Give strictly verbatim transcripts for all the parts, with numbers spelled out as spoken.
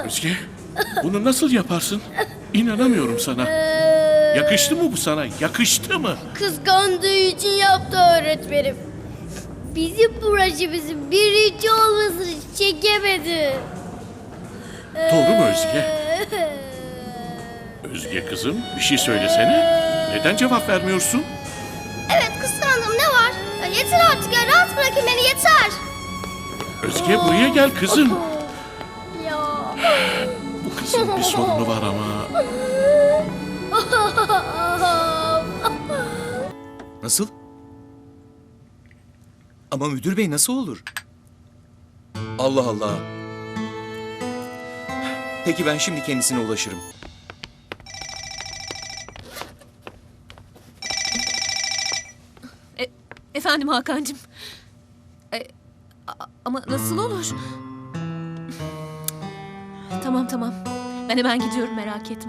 Özge, bunu nasıl yaparsın? İnanamıyorum sana. Yakıştı mı bu sana? Yakıştı mı? Kıskandığı için yaptı öğretmenim. Bizim projemizin birinci olmasını çekemedi. Doğru mu Özge? Özge kızım, bir şey söylesene. Neden cevap vermiyorsun? Evet, kıskandım, ne var? Ya yeter artık ya, rahat bırakın beni, yeter. Özge buraya gel kızım. Ya. Bu kızın bir sorunu var ama. Nasıl? Ama müdür bey nasıl olur? Allah Allah. Peki ben şimdi kendisine ulaşırım. E, efendim Hakan'cığım. E, a- ama nasıl olur? Tamam tamam. Ben hemen gidiyorum, merak etme.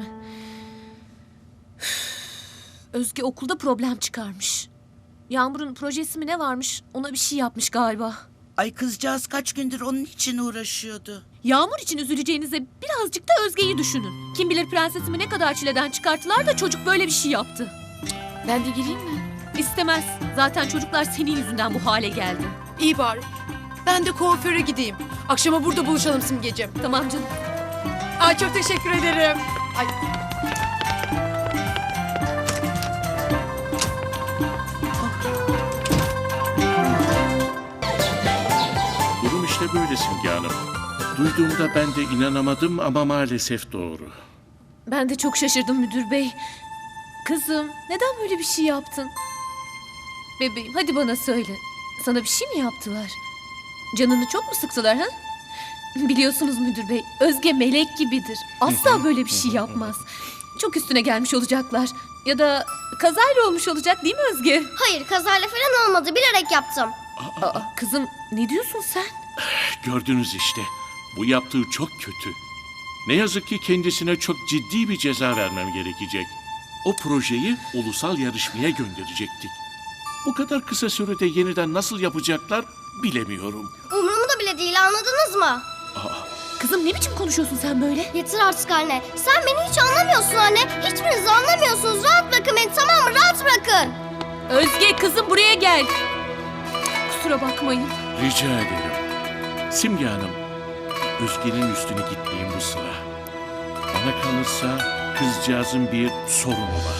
Özge okulda problem çıkarmış. Yağmur'un projesi mi ne varmış? Ona bir şey yapmış galiba. Ay kızcağız kaç gündür onun için uğraşıyordu. Yağmur için üzüleceğinize birazcık da Özge'yi düşünün. Kim bilir prensesimi ne kadar çileden çıkarttılar da çocuk böyle bir şey yaptı. Ben de gireyim mi? İstemez. Zaten çocuklar senin yüzünden bu hale geldi. İyi bari. Ben de kuaföre gideyim. Akşama burada buluşalım Simgeciğim. Tamam canım. Ay çok teşekkür ederim. Ay. Durum işte böyle Simge Hanım. Duyduğumda ben de inanamadım ama maalesef doğru. Ben de çok şaşırdım müdür bey. Kızım, neden böyle bir şey yaptın? Bebeğim, hadi bana söyle. Sana bir şey mi yaptılar? Canını çok mu sıktılar ha? Biliyorsunuz müdür bey, Özge melek gibidir. Asla böyle bir şey yapmaz. Çok üstüne gelmiş olacaklar. Ya da kazayla olmuş olacak değil mi Özge? Hayır, kazayla falan olmadı, bilerek yaptım. Aa, kızım, ne diyorsun sen? Gördünüz işte. Bu yaptığı çok kötü. Ne yazık ki kendisine çok ciddi bir ceza vermem gerekecek. O projeyi ulusal yarışmaya gönderecektik. Bu kadar kısa sürede yeniden nasıl yapacaklar bilemiyorum. Umurumda bile değil, anladınız mı? Kızım, ne biçim konuşuyorsun sen böyle? Yeter artık anne. Sen beni hiç anlamıyorsun anne. Hiçbiriniz anlamıyorsunuz. Rahat bırakın beni, tamam mı? Rahat bırakın. Özge, kızım buraya gel. Kusura bakmayın. Rica ederim. Simge Hanım, Özge'nin üstüne gitmeyin bu sıra. Bana kalırsa kızcağızın bir sorunu var.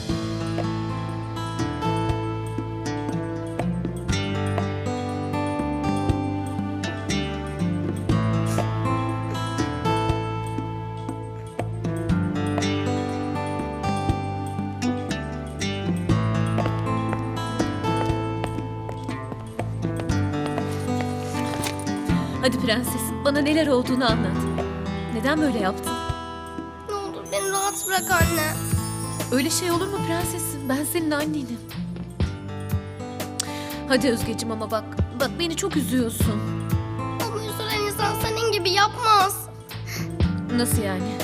Hadi prensesim, bana neler olduğunu anlat. Neden böyle yaptın? Ne olur beni rahat bırak anne. Öyle şey olur mu prensesim? Ben senin annenim. Hadi Özgeciğim, ama bak, bak beni çok üzüyorsun. Ama üzülen insan senin gibi yapmaz. Nasıl yani?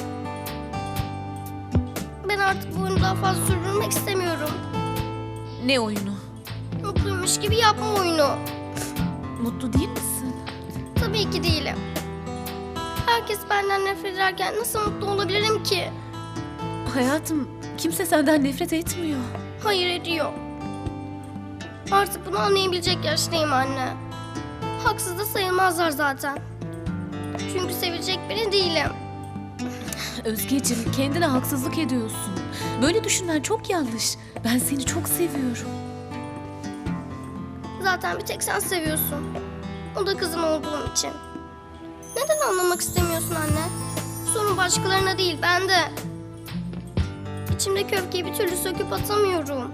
Ben artık bu oyunu daha fazla sürdürmek istemiyorum. Ne oyunu? Mutluymuş gibi yapma oyunu. Mutlu değil misin? Tabii ki değilim. Herkes benden nefret ederken nasıl mutlu olabilirim ki? Hayatım, kimse senden nefret etmiyor. Hayır, ediyor. Artık bunu anlayabilecek yaştayım anne. Haksız da sayılmazlar zaten. Çünkü sevecek biri değilim. Özgeciğim, kendine haksızlık ediyorsun. Böyle düşünmen çok yanlış. Ben seni çok seviyorum. Zaten bir tek sen seviyorsun. O da kızın olduğum için. Neden anlamak istemiyorsun anne? Sorun başkalarına değil, bende. İçimdeki öfkeyi bir türlü söküp atamıyorum.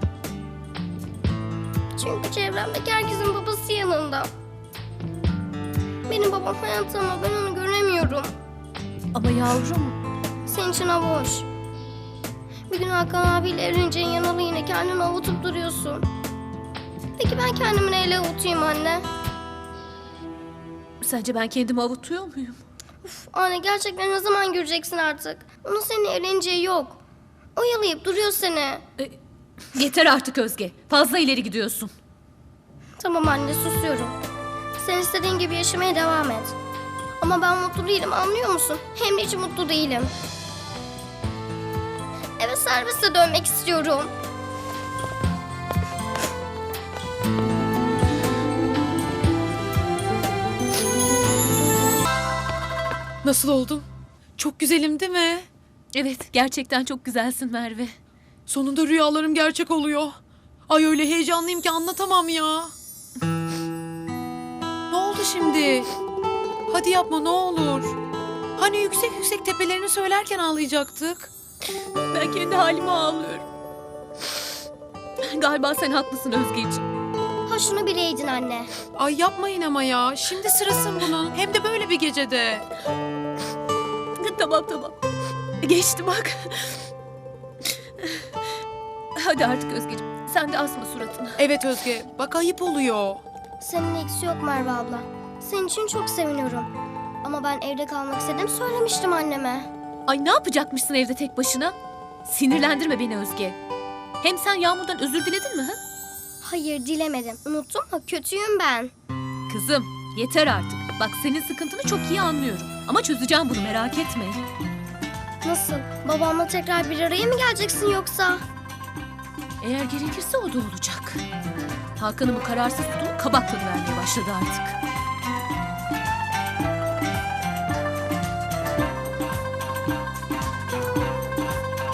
Çünkü çevremdeki herkesin babası yanında. Benim babam hayatta ama ben onu göremiyorum. Ama yavrum, Senin için hava hoş. Bir gün Hakan abiyle evleneceğin yanalı yine kendini avutup duruyorsun. Peki ben kendimi neyle avutayım anne? sence ben kendimi avutuyor muyum? Uf, anne gerçekten ne zaman göreceksin artık? Onun seninle evleneceği yok. Oyalayıp duruyor seni. E, yeter artık Özge. Fazla ileri gidiyorsun. Tamam anne, susuyorum. Sen istediğin gibi yaşamaya devam et. Ama ben mutlu değilim, anlıyor musun? Hem de hiç mutlu değilim. Eve servise dönmek istiyorum. Nasıl oldum? Çok güzelim değil mi? Evet, gerçekten çok güzelsin Merve. Sonunda rüyalarım gerçek oluyor. Ay öyle heyecanlıyım ki anlatamam ya. Ne oldu şimdi? Hadi yapma ne olur. Hani yüksek yüksek tepelerini söylerken ağlayacaktık. Ben kendi halime ağlıyorum. Galiba sen haklısın Özgeciğim. Ha şunu bileydin anne. Ay yapmayın ama ya. Şimdi sırasın bunun. Hem de böyle bir gecede. Tamam tamam. Geçti bak. Hadi artık Özgeciğim. Sen de asma suratını. Evet Özge. Bak ayıp oluyor. Senin eksi yok Merve abla. Senin için çok seviniyorum. Ama ben evde kalmak istedim, söylemiştim anneme. Ay ne yapacakmışsın evde tek başına? Sinirlendirme beni Özge. Hem sen Yağmur'dan özür diledin mi? Ha? Hayır dilemedim. Unuttun mu? Kötüyüm ben. Kızım yeter artık. Bak senin sıkıntını çok iyi anlıyorum. Ama çözeceğim bunu merak etme. Nasıl? Babamla tekrar bir araya mı geleceksin yoksa? Eğer gerekirse o da olacak. Hakan'ın bu kararsız tutumu kabak tadı vermeye başladı artık.